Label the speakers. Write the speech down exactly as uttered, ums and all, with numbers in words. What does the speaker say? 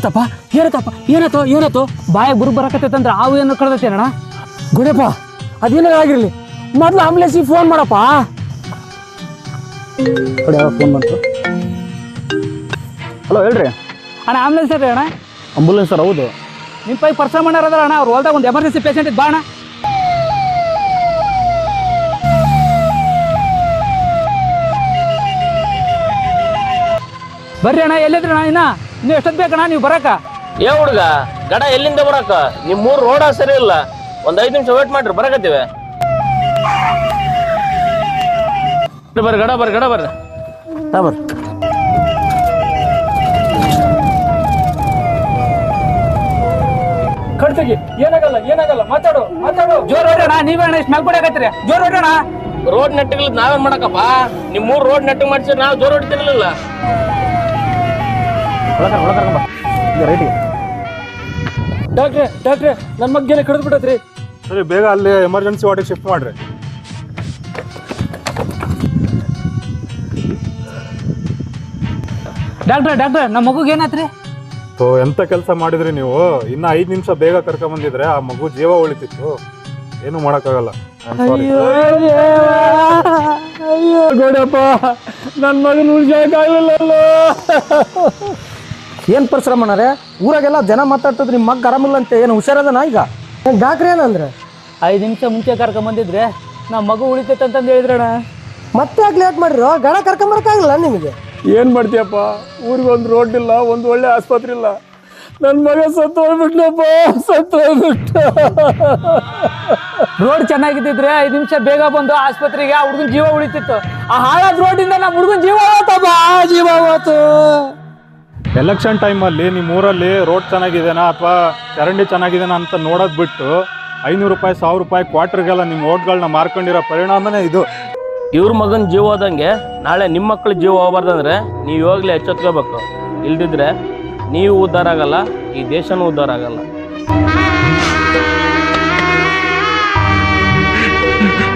Speaker 1: ತಪ್ಪ ಏನತ್ತಪ್ಪ ಏನತ್ತೋ ಏನತ್ತೋ ಬಾಯಾಗ ಬುರು ಬರಕತ್ತೈತಂದ್ರೆ ಆವು ಏನು ಕಳ್ದೈತೆ ಅಣ್ಣ ಗುಡಪ್ಪ ಅದೇನಾರ ಆಗಿರ್ಲಿ ಮೊದ್ಲು ಆಂಬುಲೆನ್ಸಿಗೆ ಫೋನ್ ಮಾಡಪ್ಪ
Speaker 2: ಕಡೆ ಫೋನ್ ಬಂತು. ಹಲೋ ಹೇಳ್ರಿ
Speaker 1: ಅಣ್ಣ ಆಂಬುಲೆನ್ಸ್ ರೀ ಅಣ್ಣ
Speaker 2: ಅಂಬುಲೆನ್ಸ್ ಸರ್ ಹೌದು.
Speaker 1: ನಿಮ್ಮ ಪೈ ಪರ್ಸ ಮಾಡ್ಯಾರ ಅದಾರ ಅಣ್ಣ ಅವ್ರು ಹೊಲ್ದಾಗ ಒಂದು ಎಮರ್ಜೆನ್ಸಿ ಪೇಷಂಟ್ ಇದ್ದು ಬಾ ಅಣ್ಣ. ಬರ್ರಿ ಅಣ್ಣ ಎಲ್ಲಿದ್ರಿ ಅಣ್ಣ ಇನ್ನ ನೀವು ಎಷ್ಟೊತ್ತು ಬೇಕಣ್ಣ ನೀವು ಬರಾಕ?
Speaker 3: ಏ ಹುಡುಗ ಗಡ ಎಲ್ಲಿಂದ ಬರಾಕ? ನಿಮ್ ಮೂರ್ ರೋಡ ಸರಿ ಇಲ್ಲ, ಒಂದ್ ಐದ್ ನಿಮಿಷ ವೇಟ್ ಮಾಡ್ರಿ ಬರಕತ್ತೀವಿ. ಬರ್ರಿ ಗಡ ಬರ್ರಿ ಗಡ ಬರ್ರಿ
Speaker 2: ಬರ್ರಿ
Speaker 1: ಕಡ್ತಗಿ ಏನಾಗಲ್ಲ ಏನಾಗಲ್ಲ ಮಾತಾಡು ಮಾತಾಡು ಜೋರ್ ಹೊಡ್ರಣ ನೀವೇ ಅಣ್ಣ ಇಷ್ಟು ಮೆಲ್ಕೊಡಕತ್ತೀರಿ ಜೋರ್ ಹೊಡ್ರಣ.
Speaker 3: ರೋಡ್ ನೆಟ್ಟಿಗೆ ನಾವೇನ್ ಮಾಡಕಪ್ಪ? ನಿಮ್ ಮೂರ್ ರೋಡ್ ನೆಟ್ಟಿಗೆ ಮಾಡ್ಸಿದ್ರೆ ನಾವು ಜೋರ್ ಹೊಡಿತಿರ್ಲಿಲ್ಲ.
Speaker 2: ರೈಟಿಗೆ
Speaker 1: ಡಾಕ್ಟ್ರೆ ಡಾಕ್ಟ್ರೆ ನನ್ನ ಮಗ್ಗೆಲ್ಲ ಕಡಿದು ಬಿಟ್ಟತ್ರಿ.
Speaker 4: ಸರಿ ಬೇಗ ಅಲ್ಲಿ ಎಮರ್ಜೆನ್ಸಿ ವಾರ್ಡಿಗೆ ಶಿಫ್ಟ್ ಮಾಡ್ರಿ.
Speaker 1: ಡಾಕ್ಟ್ರೆ ಡಾಕ್ಟ್ರೆ ನಮ್ಮ ಮಗುಗೆ ಏನಾತ್ರಿ?
Speaker 4: ಸೊ ಎಂತ ಕೆಲಸ ಮಾಡಿದ್ರಿ ನೀವು? ಇನ್ನ ಐದ್ ನಿಮಿಷ ಬೇಗ ಕರ್ಕೊಂಡ್ ಬಂದಿದ್ರೆ ಆ ಮಗು ಜೀವ ಉಳಿತಿತ್ತು. ಏನು ಮಾಡಕ್ಕಾಗಲ್ಲ.
Speaker 1: ಅಯ್ಯೋ ಗೋಡಪ್ಪ ನನ್ನ ಮಗನ ಉಳಿಸಕ್ಕಾಗಲಿಲ್ಲ.
Speaker 2: ಏನು ಪರಿಶ್ರಮ ಮಾಡಾರೆ? ಊರಾಗೆಲ್ಲ ಜನ ಮಾತಾಡ್ತದ್ರಿ ನಿಮ್ಮ ಮಗ ಆರಾಮಿಲ್ಲ ಅಂತ. ಏನು ಹುಷಾರದನ ಈಗ? ಡಾಕ್ಟ್ರ್ ಏನಂದ್ರೆ
Speaker 1: ಐದು ನಿಮಿಷ ಮುಂಚೆ ಕರ್ಕೊಂಬಂದಿದ್ರೆ ನಮ್ಮ ಮಗು ಉಳಿತೈತೆ ಅಂತಂದು ಹೇಳಿದ್ರಣ್ಣ.
Speaker 2: ಮತ್ತೆ ಯಾಕೆ ಲೇಟ್ ಮಾಡಿರೋ? ಗಡ ಕರ್ಕೊಂಬರಕ್ಕಾಗಲ್ಲ ನಿಮಗೆ?
Speaker 1: ಏನು ಮಾಡ್ತೀಯಪ್ಪ? ಊರಿಗೆ ಒಂದು ರೋಡ್ ಇಲ್ಲ, ಒಂದು ಒಳ್ಳೆ ಆಸ್ಪತ್ರೆ ಇಲ್ಲ. ನನ್ನ ಮಗ ಸತ್ತು ಹೋಗ್ಬಿಟ್ನಪ್ಪ, ಸತ್ತು ಹೋಗ್ಬಿಟ್ಟ. ರೋಡ್ ಚೆನ್ನಾಗಿದ್ದಿದ್ರೆ ಐದು ನಿಮಿಷ ಬೇಗ ಬಂದು ಆಸ್ಪತ್ರೆಗೆ ಆ ಹುಡುಗನ ಜೀವ ಉಳಿತಿತ್ತು. ಆ ಹಾಳಾದ ರೋಡಿಂದ ನಮ್ಮ ಹುಡುಗನ ಜೀವ ಹೋತಪ್ಪ, ಜೀವ ಹೋತು.
Speaker 4: ಎಲೆಕ್ಷನ್ ಟೈಮಲ್ಲಿ ನಿಮ್ಮ ಊರಲ್ಲಿ ರೋಡ್ ಚೆನ್ನಾಗಿದೆನಾ ಅಥವಾ ಚರಂಡಿ ಚೆನ್ನಾಗಿದೆನಾ ಅಂತ ನೋಡೋದು ಬಿಟ್ಟು ಐನೂರು ರೂಪಾಯಿ ಸಾವಿರ ರೂಪಾಯಿ ಕ್ವಾರ್ಟರ್ಗೆಲ್ಲ ನಿಮ್ಮ ಓಟ್ಗಳನ್ನ ಮಾರ್ಕೊಂಡಿರೋ ಪರಿಣಾಮನೇ ಇದು.
Speaker 3: ಇವ್ರ ಮಗನ ಜೀವ ಹೋದಂಗೆ ನಾಳೆ ನಿಮ್ಮ ಮಕ್ಳ ಜೀವ ಹೋಗ್ಬಾರ್ದಂದ್ರೆ ನೀವು ಇವಾಗಲೇ ಎಚ್ಚೆತ್ಕೋಬೇಕು. ಇಲ್ದಿದ್ರೆ ನೀವು ಉದ್ಧಾರ ಆಗಲ್ಲ, ಈ ದೇಶನೂ ಉದ್ಧಾರ ಆಗಲ್ಲ.